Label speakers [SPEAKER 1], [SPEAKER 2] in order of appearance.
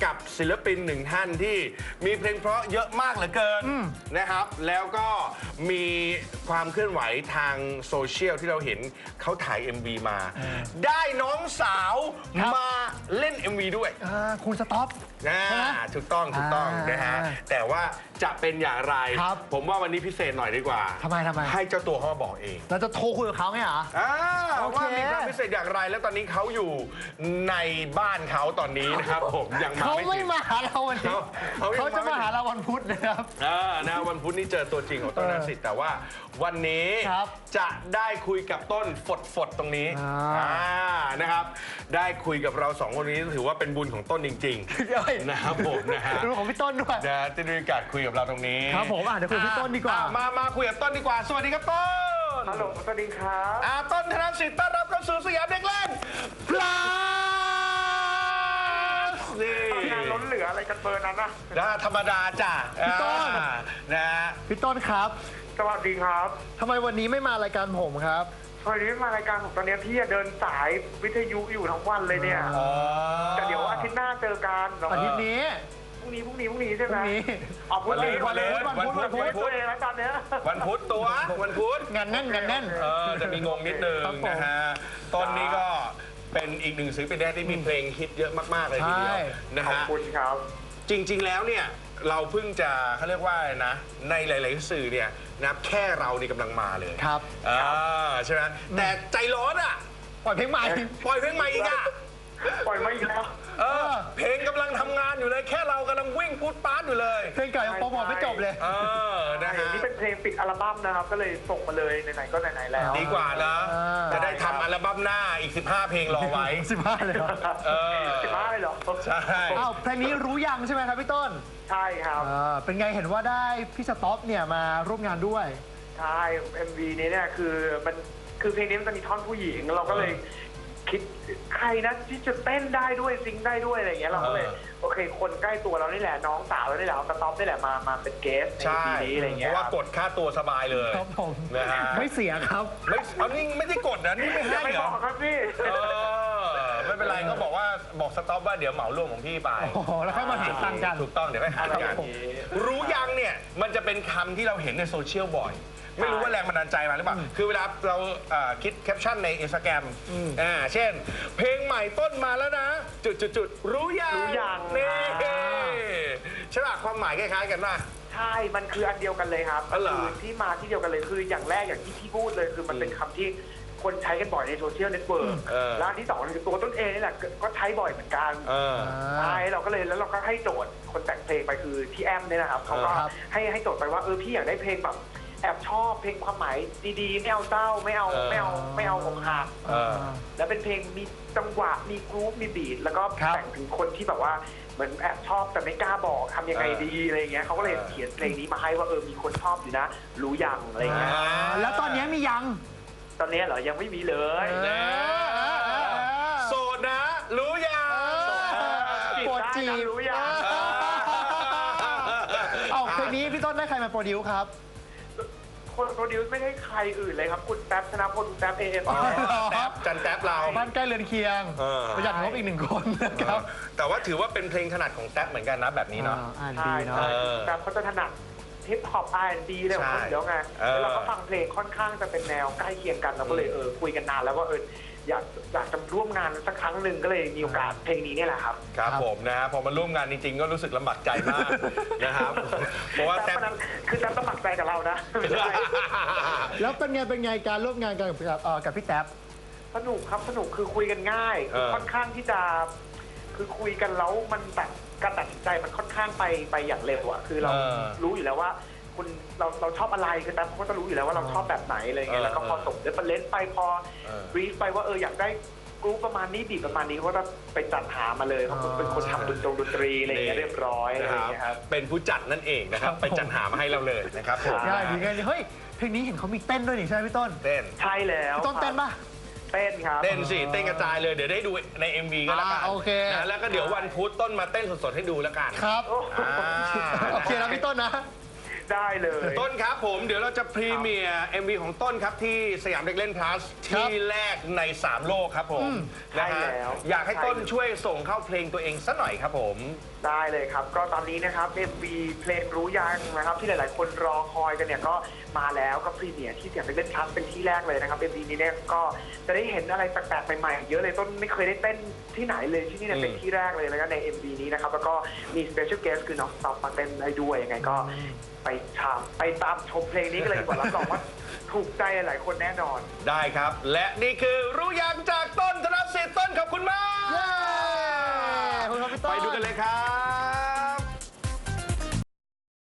[SPEAKER 1] กับศิลปินหนึ่งท่านที่มีเพลงเพราะเยอะมากเหลือเกินนะครับแล้วก็มีความเคลื่อนไหวทางโซเชียลที่เราเห็นเขาถ่าย MV มา ได้น้องสาวมาเล่น MV ด้วย
[SPEAKER 2] คุณสต๊อป
[SPEAKER 1] ถูกต้องนะฮะแต่ว่าจะเป็นอย่างไรผมว่าวันนี้พิเศษหน่อยดีกว่า
[SPEAKER 2] ทำไม
[SPEAKER 1] ให้เจ้าตัวเขามาบอกเอง
[SPEAKER 2] เราจะโทรคุยกับเขาไงเหรอ
[SPEAKER 1] ว่ามีความพิเศษอย่างไรแล้วตอนนี้เขาอยู่ในบ้านเขาตอนนี้นะครับผมยังมา
[SPEAKER 2] ไม่มาหาเราวันนี้เขาจะมาหาเราวันพุธนะครับ
[SPEAKER 1] นะวันพุธนี่เจอตัวจริงของต้นนักสิทธิ์แต่ว่าวันนี้จะได้คุยกับต้นฝดตรงนี้นะครับได้คุยกับเราสองคนนี้ถือว่าเป็นบุญของต้นจริงๆนะครับผมนะฮะ
[SPEAKER 2] ดูของพี่ต้นด้วย
[SPEAKER 1] นะที่ได้มีโอกาสคุยกับเราตรงนี้
[SPEAKER 2] ครับผมเดี๋ยวคุยกับพี่ต้นดีกว่า
[SPEAKER 1] มาคุยกับต้นดีกว่าสวัสดีครับต้น
[SPEAKER 3] ฮัลโหลสวัสดีครับ
[SPEAKER 1] ต้นธนสิทธิ์ต้อนรับเข้าสู่สยามเด็กเล่นพลัส
[SPEAKER 3] นี่งานล้นเหลืออะไรกันเบอร์นั้นนะ
[SPEAKER 1] ธรรมดาจ้ะ
[SPEAKER 2] พี่ต้น
[SPEAKER 1] นะ
[SPEAKER 2] พี่ต้นครับ
[SPEAKER 3] สวัสดีครับ
[SPEAKER 2] ทำไมวันนี้ไม่มารายการผมครับ
[SPEAKER 3] วันนี้มารายการผมตอนนี้พี่เดินสายวิทยุอยู่ทั้งวันเลยเนี่ยแต่เดี๋ยวอาทิตย์หน้าเจอกัน
[SPEAKER 2] อาทิตย์นี้
[SPEAKER 3] พรุ่งนี้ใช่ไหมพรุ่งนี้วันพุธเลยแล้วตอนนี้
[SPEAKER 1] วันพุธวันพุธ
[SPEAKER 2] งานแน่น
[SPEAKER 1] จะมีงงนิดนึงนะฮะต้นนี้ก็เป็นอีกหนึ่งศิลปินที่มีเพลงฮิตเยอะมากๆเลยทีเดียวนะฮะ
[SPEAKER 3] ขอบคุณครับ
[SPEAKER 1] จริงๆแล้วเนี่ยเราเพิ่งจะเขาเรียกว่านะในหลายๆสื่อเนี่ยนะแค่เรานี่กำลังมาเลย
[SPEAKER 2] ครับ
[SPEAKER 1] ใช่ไหมแต่ใจร้อนอ่ะ
[SPEAKER 2] ปล่อยเพลงใหม่
[SPEAKER 1] อีกอ่ะ
[SPEAKER 3] ปล่อยมาอีกแล้ว
[SPEAKER 1] เพลงกำลังทำงานอยู่เลยแค่เรากำลังวิ่งพูดปาร์ตอยู่เลย
[SPEAKER 2] เพลงเก่ายังโปรโมทไม่จบเลย
[SPEAKER 3] นะฮะนี่เป็นเพลงปิดอัลบั้มนะครับก็เลยส่งมาเลยไหนๆก็ไหนๆแล้ว
[SPEAKER 1] ดีกว่านะจะได้ทำอัลบั้มหน้าอีก15เพลงรอไว้
[SPEAKER 2] 15เลยเหรอ
[SPEAKER 3] 15เลยเหรอ
[SPEAKER 1] ใช่
[SPEAKER 2] เพลงนี้รู้ยังใช่ไหมครับพี่ต้น
[SPEAKER 3] ใช่ครับ
[SPEAKER 2] เป็นไงเห็นว่าได้พี่สต๊อปเนี่ยมาร่วมงานด้วย
[SPEAKER 3] ใช่ MV นี้เนี่ยคือเพลงนี้มันจะมีท่อนผู้หญิงเราก็เลยคิดใครนะที่จะเต้นได้ด้วยซิงได้ด้วยอะไรอย่างเงี้ยเราก็เลยโอเคคนใกล้ตัวเรานี่แหละน้องสาวเรานี่แหละสต๊อปนี่แหละมาเป็นเกสในปีนี้อะไรเงี้ย
[SPEAKER 1] เพราะว่ากดค่าตัวสบายเลย
[SPEAKER 2] ครับผมไม่เสียครับ
[SPEAKER 1] นี่ไม่ได้กดนะนี่ไม่ให้
[SPEAKER 3] เหรอครับพี่
[SPEAKER 1] ไม่เป็นไรก็บอกสต๊อปว่าเดี๋ยวเหมารวมของพี่ไป
[SPEAKER 2] แล้วค่อยมาหาตังกัน
[SPEAKER 1] ถูกต้องเดี๋ยวค่อยหากันรู้ยังเนี่ยมันจะเป็นคำที่เราเห็นในโซเชียลบ่อยไม่รู้ว่าแรงบันดาลใจมาหรือเปล่าคือเวลาเราคิดแคปชั่นใน Instagram เช่นเพลงใหม่ต้นมาแล้วนะจุดรู้ยังนี่ใช่ป่ะความหมายคล้ายๆกันป่ะ
[SPEAKER 3] ใช่มันคืออันเดียวกันเลยครับคือที่มาที่เดียวกันเลยคืออย่างแรกอย่างที่พี่พูดเลยคือมันเป็นคำที่คนใช้กันบ่อยในโซเชียลเน็ตเวิร์กแล้วที่สองคือตัวต้นเองนี่แหละก็ใช้บ่อยเหมือนกันใช่เราก็เลยแล้วเราก็ให้โจทย์คนแต่งเพลงไปคือพี่แอมเนี่ยนะครับเขาก็ให้โจทย์ไปว่าพี่อยากได้เพลงแบบแอบชอบเพลงความหมายดีๆไม่เอาเศร้าไม่เอาอกหักแล้วเป็นเพลงมีจังหวะมีกรุ๊ปมีบีทแล้วก็แต่งถึงคนที่แบบว่าเหมือนแอบชอบแต่ไม่กล้าบอกทำยังไงดีอะไรเงี้ยเขาก็เลยเขียนเพลงนี้มาให้ว่ามีคนชอบอยู่นะรู้ยังอะไรเงี้ย
[SPEAKER 2] แล้วตอนนี้มียัง
[SPEAKER 3] ตอนนี้เหรอยังไม่มีเลย
[SPEAKER 1] โสดนะรู้ยัง
[SPEAKER 2] โปรดจีบ
[SPEAKER 3] รู้ยัง
[SPEAKER 2] เพลงนี้พี่ต้นได้ใครมาโปรดิวครับ
[SPEAKER 3] คนโปรดิวซ์ไม่ได้ใครอื่นเลยครับคุณแท็บธนพลแท็บเอฟ
[SPEAKER 1] จันแท็บเรา
[SPEAKER 2] บ้านใกล้เรือนเคียงประหยัดงบอีก1 คนนะครับ
[SPEAKER 1] แต่ว่าถือว่าเป็นเพลงถนัดของแท็บเหมือนกันนะแบบนี้เนาะ
[SPEAKER 3] ใช่แท็บเขาจะถนัดฮิปฮอป R&B เลยของเขาเดี๋ยวไงแล้วเราก็ฟังเพลงค่อนข้างจะเป็นแนวใกล้เคียงกันเราก็เลยคุยกันนานแล้วว่าอยากจะร่วมงานสักครั้งหนึ่งก็เลยมีโอกาสเพลงนี้นี่แหละครับ
[SPEAKER 1] ครับผมนะพอมาร่วมงานจริงๆก็รู้สึกลำบากใจมากนะครับเพราะว่า
[SPEAKER 3] แต่คือจะลำบากใจกับเรานะ
[SPEAKER 2] แล้วเป็นไงการร่วมงานกันกับพี่แท็บ
[SPEAKER 3] สนุกครับสนุกคือคุยกันง่ายค่อนข้างที่จะคือคุยกันแล้วมันแบบการตัดสินใจมันค่อนข้างไปอย่างเร็วอะคือเรารู้อยู่แล้วว่าคุณเราชอบอะไรคือแต่เขาก็จะรู้อยู่แล้วว่าเราชอบแบบไหนอะไรเงี้ยแล้วก็พอส่งเรฟเฟอเรนซ์ไปพอบรีฟไปว่าอยากได้กรุ๊ปประมาณนี้บีบประมาณนี้เขาก็ไปจัดหามาเลยเขาเป็นคนทำดนตรีอะไรเงี้ยเรียบร้อยนะครับ
[SPEAKER 1] เป็นผู้จัดนั่นเองนะครับไปจัดหามาให้เราเลยนะครับ
[SPEAKER 2] ใช่ดีไงเฮ้ยเพลงนี้เห็นเขามีเต้นด้วยนี่ใช่ไหมพี่ต้น
[SPEAKER 1] เต้น
[SPEAKER 3] ใช่แล้ว
[SPEAKER 2] พี่ต้นเต้นปะ
[SPEAKER 3] เต้นครับ
[SPEAKER 1] เต้นสิเต้นกระจายเลยเดี๋ยวได้ดูใน MV ก็แล้วกันนะแล้วก็เดี๋ยววันพุธต้นมาเต้นสดๆให้ดูแล้วกัน
[SPEAKER 2] ครับโอเคแล้วพี่ต้นนะ
[SPEAKER 3] ได้เลย
[SPEAKER 1] ต้นครับผมเดี๋ยวเราจะพรีเมียร์ MV ของต้นครับที่สยามเด็กเล่น plus ที่แรกใน 3 โลกครับผมนะฮะ
[SPEAKER 3] ใช่แล้ว
[SPEAKER 1] อยากให้ต้นช่วยส่งเข้าเพลงตัวเองสักหน่อยครับผม
[SPEAKER 3] ได้เลยครับก็ตอนนี้นะครับ MV เพลงรู้ยังนะครับที่หลาย ๆ คนรอคอยกันเนี่ยก็มาแล้วก็พรีเมียร์ที่สยามเด็กเล่น plus เป็นที่แรกเลยนะครับ MV นี้เนี่ยก็จะได้เห็นอะไรแปลกๆใหม่ๆเยอะเลยต้นไม่เคยได้เต้นที่ไหนเลยที่นี่เนี่ยเป็นที่แรกเลยแล้วก็ใน MV นี้นะครับแล้วก็มี special guest คือน้องสต็อปมาเต้นได้ด้วยยังไงก็ไปตามชมเพลงนี้กันเลยดีกว่ารับรองว่าถูกใจหลายคนแน่นอน
[SPEAKER 1] ได้ครับ และนี่คือรู้ยังจากต้นธนสิทธิ์ต้นขอบคุณมาก